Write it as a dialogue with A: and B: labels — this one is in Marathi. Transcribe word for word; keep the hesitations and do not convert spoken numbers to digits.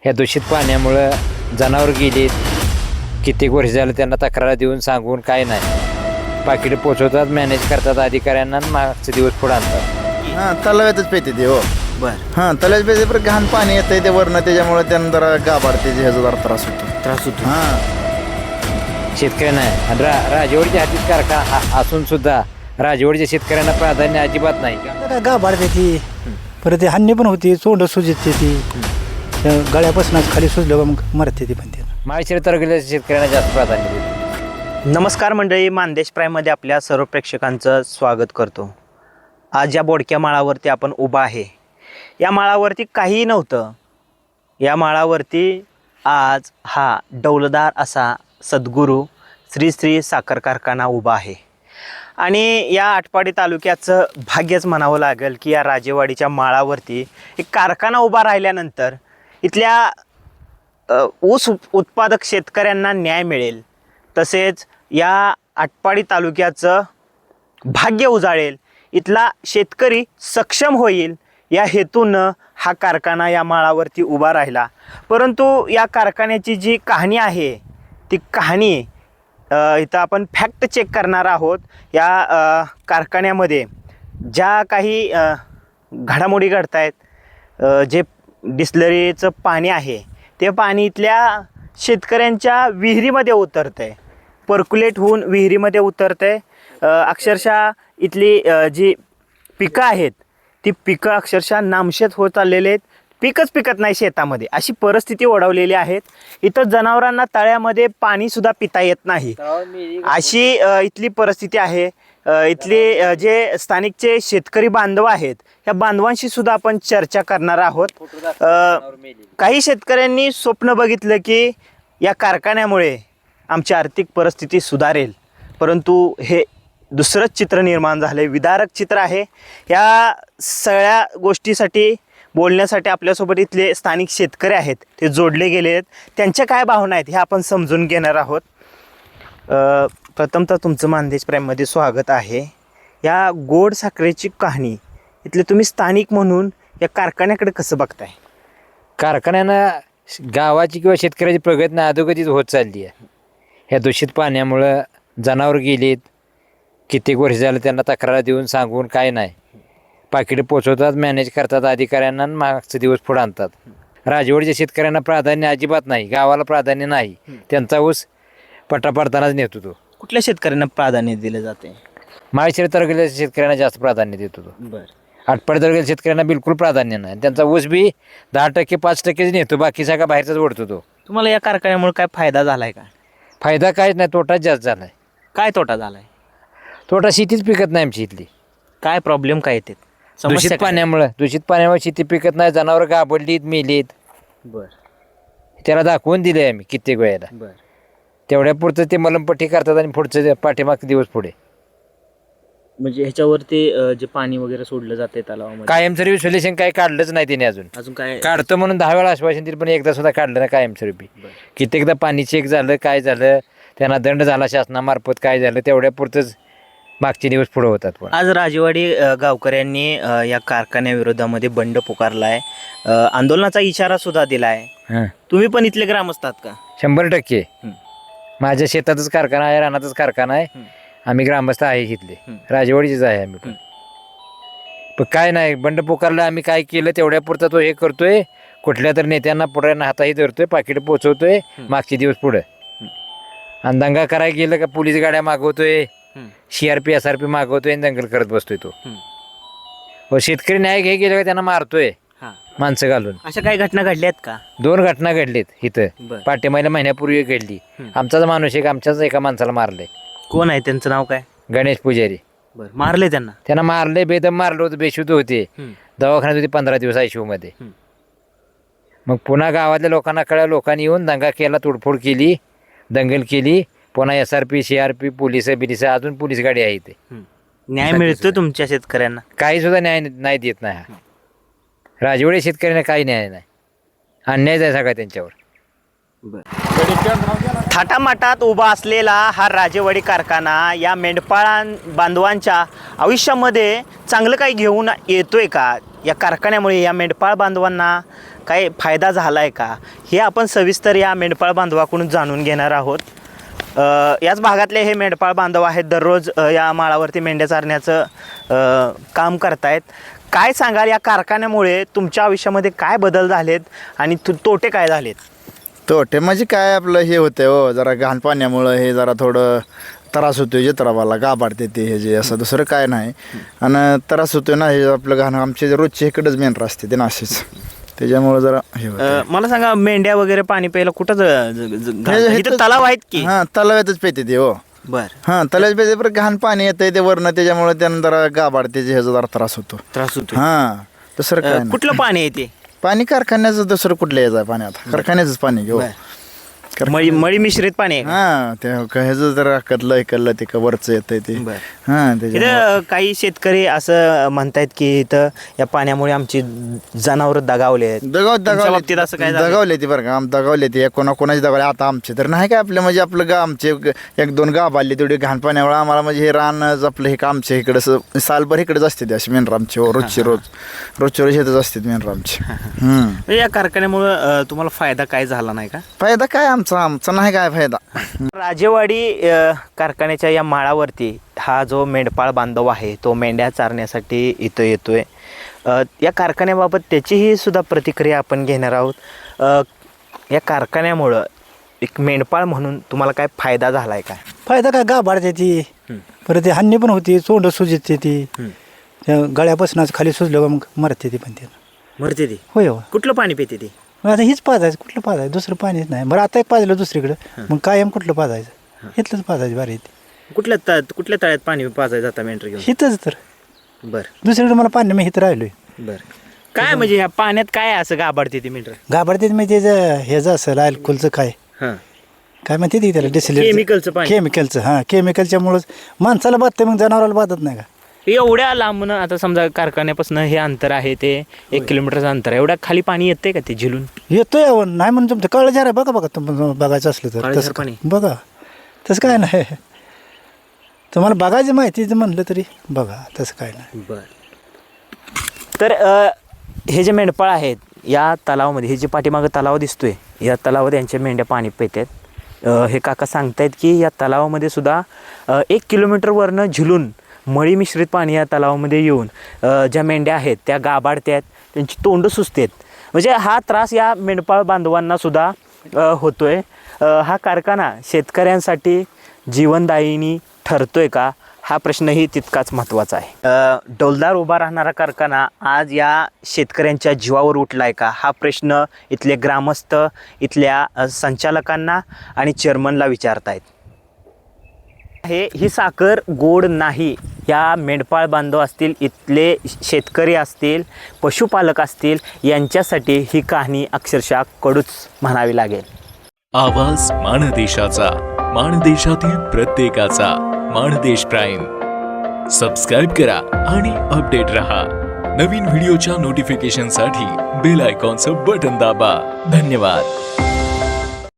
A: ह्या दूषित पाण्यामुळं जनावर गेलीत. कित्येक वर्ष झालं त्यांना तक्रार देऊन सांगून काय नाही. पाकिटं पोचवतात, मॅनेज करतात अधिकाऱ्यांना, मागचे दिवस पुढे आणतात.
B: हां तलाव्यातच पेते ते हो.
C: बर
B: हां तलाव्यात पेते पण घाण पाणी येतंय ते वरनं, त्याच्यामुळे त्यांना जरा गाभाडते, ह्याचा जरा त्रास होतो.
C: त्रास होतो.
B: हां
A: शेतकऱ्यांना आणि रा राजवाडीच्या हातीत कारखाना असून सुद्धा राजवाडीच्या शेतकऱ्यांना प्राधान्य अजिबात नाही.
D: काय गाभाडते ती, परत ती हानी पण होती, चोंड सुजते ती, त्या गळ्यापासूनच खाली सुजलं का मग मरते ती पण ते.
A: माळशिरस तालुक्याच्या शेतकऱ्यांना जास्त प्राधान्य देतो.
C: नमस्कार मंडळी, मानदेश प्राईममध्ये आपल्या सर्व प्रेक्षकांचं स्वागत करतो. आज या बोडक्या माळावरती आपण उभा आहे. या माळावरती काहीही नव्हतं. या माळावरती आज हा डौलदार असा सद्गुरू श्री श्री साखर कारखाना उभा आहे. आणि या आटपाडी तालुक्याचं भाग्यच म्हणावं लागेल की या राजेवाडीच्या माळावरती एक कारखाना उभा राहिल्यानंतर इथल्या अ, ऊस उत्पादक शेतकऱ्यांना न्याय मिळेल, तसेच या आटपाडी तालुक्याचं भाग्य उजाळेल, इथला शेतकरी सक्षम होईल या हेतूनं हा कारखाना या माळावरती उभा राहिला. परंतु या कारखान्याची जी कहाणी आहे ती कहाणी अ, इथं आपण फॅक्ट चेक करणार आहोत. या अ, कारखान्यामध्ये ज्या काही अ, घडामोडी घडत आहेत, जे डिस्लरीचं पाणी आहे ते पाणी इथल्या शेतकऱ्यांच्या विहिरीमध्ये उतरतं आहे, पर्क्युलेट होऊन विहिरीमध्ये उतरतं आहे. अक्षरशः इथली अ, जी पिकं आहेत ती पिकं अक्षरशः नामशेत होत चाललेले आहेत. पिकच पिकत नाही शेतामध्ये, अशी परिस्थिती ओढवलेली आहेत. इथं जनावरांना तळ्यामध्ये पाणीसुद्धा पिता येत नाही, अशी अ, इथली परिस्थिती आहे. अ, इथले अ, जे स्थानिकचे शेतकरी बांधव आहेत या बांधवांशी सुद्धा आपण चर्चा करणार आहोत. अ, काही शेतकऱ्यांनी स्वप्न बघितलं की या कारखान्यामुळे आमची आर्थिक परिस्थिती सुधारेल, परंतु हे दुसरंच चित्र निर्माण झालं, विदारक चित्र आहे. या सगळ्या गोष्टीसाठी बोलण्यासाठी आपल्यासोबत इथले स्थानिक शेतकरी आहेत, ते जोडले गेले आहेत. त्यांच्या काय भावना आहेत हे आपण समजून घेणार आहोत. अ, प्रथमतः तुमचं मानदेश प्राईममध्ये स्वागत आहे. या गोड साखरेची कहाणी इथले तुम्ही स्थानिक म्हणून या कारखान्याकडे कसं बघताय?
A: कारखान्यानं गावाची किंवा शेतकऱ्याची प्रगती अधोगतीच होत चालली आहे. ह्या दूषित पाण्यामुळं जनावर गेलीत. कित्येक वर्ष झालं त्यांना तक्रार देऊन सांगून काय नाही. पाकिटं पोचवतात, मॅनेज करतात अधिकाऱ्यांना, मागचे दिवस पुढे आणतात. राजवाडीच्या शेतकऱ्यांना प्राधान्य अजिबात नाही, गावाला प्राधान्य नाही. त्यांचा ऊस पट्टा पडतानाच नेतो तो.
C: कुठल्या शेतकऱ्यांना प्राधान्य दिलं जाते?
A: माळशिरस तालुक्याच्या शेतकऱ्यांना जास्त प्राधान्य देतो तो.
C: बरं.
A: आटपाडी तालुक्याच्या शेतकऱ्यांना बिलकुल प्राधान्य नाही. त्यांचा ऊस बी दहा टक्के पाच टक्केच नेतो, बाकी सगळा बाहेरचाच ओढतो तो.
C: तुम्हाला या कारखान्यामुळे काय फायदा झालाय का?
A: फायदा काहीच नाही, तोटाच जास्त झाला आहे.
C: काय तोटा झालाय?
A: तोटा शेतीच पिकत नाही आमची इथली.
C: काय प्रॉब्लेम काय येते?
A: दूषित पाण्यामुळं दूषित पाण्यामुळे शेती पिकत नाही, जनावर गाबडलीत, मेलीत.
C: बर
A: त्याला दाखवून दिले आम्ही कित्येक वेळेला.
C: बर
A: तेवढ्या पुरतं ते मलमपट्टी करतात आणि पुढचं पाठीमाग दिवस पुढे
C: म्हणजे ह्याच्यावरती अ, जे पाणी वगैरे सोडलं जाते तलावामध्ये,
A: कायमस्वरूपी सोल्युशन काही काढलंच नाही त्याने अजून.
C: अजून काय?
A: काढतो म्हणून दहा वेळा आश्वासन दिलं पण एकदा सुद्धा काढलं ना कायमस्वरूपी. कित्येकदा पाणी चेक झालं, काय झालं, त्यांना दंड झाला शासनामार्फत, काय झालं, तेवढ्या पुरतंच मागचे दिवस पुढे होतात. पण
C: आज राजेवाडी अ, गावकऱ्यांनी अ, या कारखान्याविरोधामध्ये बंड पुकारलाय, अ, आंदोलनाचा इशारा सुद्धा दिलाय.
A: हां
C: तुम्ही पण इथले ग्रामस्थ आहात का?
A: शंभर टक्के.
C: हं.
A: माझ्या शेतातच कारखाना आहे, रानातच कारखाना आहे.
C: हं.
A: आम्ही ग्रामस्थ आहे इथले,
C: हं.
A: राजवाडीचेच आहे आम्ही पण.
C: हं.
A: पण काय नाही, बंड पुकारलं आम्ही, काय केलं तेवढ्या पुरता तो हे करतोय, कुठल्या तर नेत्यांना पुढ्यांना हाताही धरतोय, पाकिट पोचवतोय,
C: हं.
A: मागचे दिवस पुढं.
C: हं.
A: आणि दंगा करायला गेलं का पोलीस गाड्या मागवतोय,
C: हं.
A: C R P S R P मागवतोय आणि दंगल करत बसतोय तो.
C: हं.
A: व शेतकरी न्याय घे गेलं का त्यांना मारतोय
C: हां.
A: माणसं घालून.
C: अशा काही घटना घडल्या आहेत का?
A: दोन घटना घडलीत इथं,
C: बरं.
A: पाठीमागल्या महिन्यापूर्वी घडली.
C: हं.
A: आमचाच माणूस एक आमच्याच एका माणसाला मारले,
C: कोण आहे त्यांचं नाव काय?
A: गणेश पुजारी.
C: बरं, मारले त्यांना?
A: त्यांना मारले, बेदम मारलं होतं, बेशुद्ध होते,
C: हं.
A: दवाखान्यात होते पंधरा दिवस आय सी यूमध्ये.
C: हं.
A: मग पुन्हा गावातल्या लोकांना कळलं, लोकांनी येऊन दंगा केला, तोडफोड केली, दंगल केली. पुन्हा S R P C R P police बिलिस अजून पोलीस गाडी आहे इथे.
C: हं. न्याय मिळतोय तुमच्या शेतकऱ्यांना?
A: काही सुद्धा न्याय नाही देत नाही हा राजवाडी शेतकऱ्यांना, काही न्याय नाही, अन्याय आहे सगळा त्यांच्यावर.
C: थाटामाटात उभा असलेला हा राजेवाडी कारखाना या मेंढपाळां बांधवांच्या आयुष्यामध्ये चांगलं काही घेऊन येतोय का? या कारखान्यामुळे या मेंढपाळ बांधवांना काही फायदा झाला आहे का, हे आपण सविस्तर या मेंढपाळ बांधवाकडून जाणून घेणार आहोत. अ, याच भागातले हे मेंढपाळ बांधव आहेत, दररोज अ, या माळावरती मेंढ्या चारण्याचं अ, काम करतायत. काय सांगाल, या कारखान्यामुळे तुमच्या आयुष्यामध्ये काय बदल झालेत आणि तु- तोटे काय झालेत?
B: तोटे म्हणजे काय आपलं हे होतं हो, जरा घाण पाण्यामुळं हे जरा थोडं त्रास होतो जत्रावाला गाभाडते ते हे जे असं दुसरं काय नाही. आणि त्रास होतो ना, हे आपलं घाण आमचे जे रोजचे इकडंच मेंढर असते ते नाशीच, त्याच्यामुळं जरा हे
C: अ,
B: होतं.
C: मला सांगा, मेंढ्या वगैरे पाणी प्यायला कुठं ज- ज- ज- घालतात?
B: हे-
C: इथं तलाव आहेत की?
B: हां तलावातच पेते ते हो.
C: बर,
B: हां तलावात पेते, पण घाण पाणी येतंय ते वरनं, त्याच्यामुळे त्यांना जरा गाभाडते ह्याचा जरा त्रास होतो.
C: त्रास होतो.
B: हां दुसरं काय नाही.
C: कुठलं पाणी आहे ते?
B: पाणी कारखान्याचं दुसरं कुठलं यायचं आहे पाणी, आता कारखान्याचंच पाणी घेऊ.
C: मळी मळी मिश्रित पाणी आहे का?
B: हां ते ह्याचं जरा कदलं ऐकलं ते का वरचं येतंय ते.
C: बर.
B: हां त्याच्यामुळे
C: इथं काही शेतकरी असं म्हणतायत की इथं या पाण्यामुळे आमची जनावर दगावले आहेत.
B: दगाव
C: तुमच्या बाबतीत असं काय
B: दगावले
C: झालं?
B: दगावले ती बरं का, आम दगावले ते कोणा कोणाची दगावले. आता आमचे तर नाही काय आपलं, म्हणजे आपलं गा आमचे एक दोन गाव बांधले तेवढे घाण पाण्यामुळे आम्हाला, म्हणजे हे रान आपलं हे का आमच्या इकडं असं सालभर इकडेच असते ते असे मेंढर आमचे हो, रोजचे रोज रोजच्या रोज येतच असतात मेंढर आमचे. हम्म.
C: म्हणजे या कारखान्यामुळं अं, तुम्हाला फायदा काय झाला नाही का?
B: फायदा काय आमचा आमचा नाही काय फायदा.
C: राजेवाडी अ, कारखान्याच्या या माळावरती हा जो मेंढपाळ बांधव आहे तो मेंढ्या चारण्यासाठी इथं येतोय. अ, या कारखान्याबाबत त्याचीही सुद्धा प्रतिक्रिया आपण घेणार आहोत. अ, या कारखान्यामुळं एक मेंढपाळ म्हणून तुम्हाला काय फायदा झाला आहे काय?
D: फायदा काय गाभाडते ती, परत ती हानी पण होती, चोंड सुजते ती, त्या गळ्यापासूनच खाली सुजलं का मग मरते ती पण ते.
C: मरते ती?
D: होय हो.
C: कुठलं पाणी पिते ती?
D: मग आता हीच पाजायचं, कुठलं पाजायचं, दुसरं पाणीच नाही. बरं आता एक पाजलं दुसरीकडं, मग कायम कुठलं पाजायचं, इथलंच पाजायचं बारी येते.
C: कुठल्या त कुठल्या तळ्यात पाणी पाजायचं जाता मेंढर घेऊन?
D: हिथंच तर,
C: बरं
D: दुसरीकडे मला पाणी मी हिथं राहिलोय.
C: बरं. काय म्हणजे ह्या पाण्यात काय असं गाभाडते ती मेंढर?
D: गाभाडते म्हणजे त्याचं ह्याचं असं अल्कोलचं काय
C: हां,
D: काय म्हणते ती त्याला, डिसिलेट
C: केमिकलचं पाणी.
D: केमिकलचं, हां केमिकलच्यामुळंच माणसाला बाधतं, मग जनावराला बाधत नाही का.
C: एवढ्या लांबून आता समजा कारखान्यापासून हे अंतर आहे ते एक किलोमीटरचं अंतर आहे, एवढ्या खाली पाणी येतंय का ते झिलून?
D: येतोय यावं, नाही म्हणून तुमचं कळलं जरा बघा बघा, तुम्हाला बघायचं असलं तर
C: काळजार
D: तसं
C: पाणी?
D: बघा, तसं काय नाही. तुम्हाला बघायची माहिती म्हणलं तरी बघा, तसं काय नाही.
C: बर. तर अ, हे जे मेंढपाळ आहेत या तलावामध्ये, हे जे पाठीमागं तलाव दिसतोय, या तलावात यांच्या मेंढ्या पाणी पितात. अ, हे काका सांगतायत की या तलावामध्ये सुद्धा अ, एक किलोमीटरवरनं झिलून मळी मिश्रित पाणी या तलावामध्ये येऊन अ, ज्या मेंढ्या आहेत त्या गाभाडतात, त्यांची तोंड सुजतात. म्हणजे हा त्रास या मेंढपाळ बांधवांना सुद्धा अ, होतोय. अ, हा कारखाना शेतकऱ्यांसाठी जीवनदायिनी ठरतोय का, हा प्रश्नही तितकाच महत्त्वाचा आहे. अ, डौलदार उभा राहणारा कारखाना आज या शेतकऱ्यांच्या जीवावर उठलाय का, हा प्रश्न इथले ग्रामस्थ इथल्या अ, संचालकांना आणि चेअरमनला विचारतायत. हे ही साखर गोड नाही. या मेंढपाळ बांधव असतील, इथले शेतकरी असतील, पशुपालक असतील, यांच्यासाठी ही कहाणी अक्षरशः कडूच म्हणावी लागेल.
E: आवाज माणदेशाचा, माणदेशातील प्रत्येकाचा. माणदेश प्राईम सबस्क्राईब करा आणि अपडेट रहा. नवीन व्हिडिओच्या नोटिफिकेशनसाठी बेल आयकॉनचं बटन दाबा. धन्यवाद.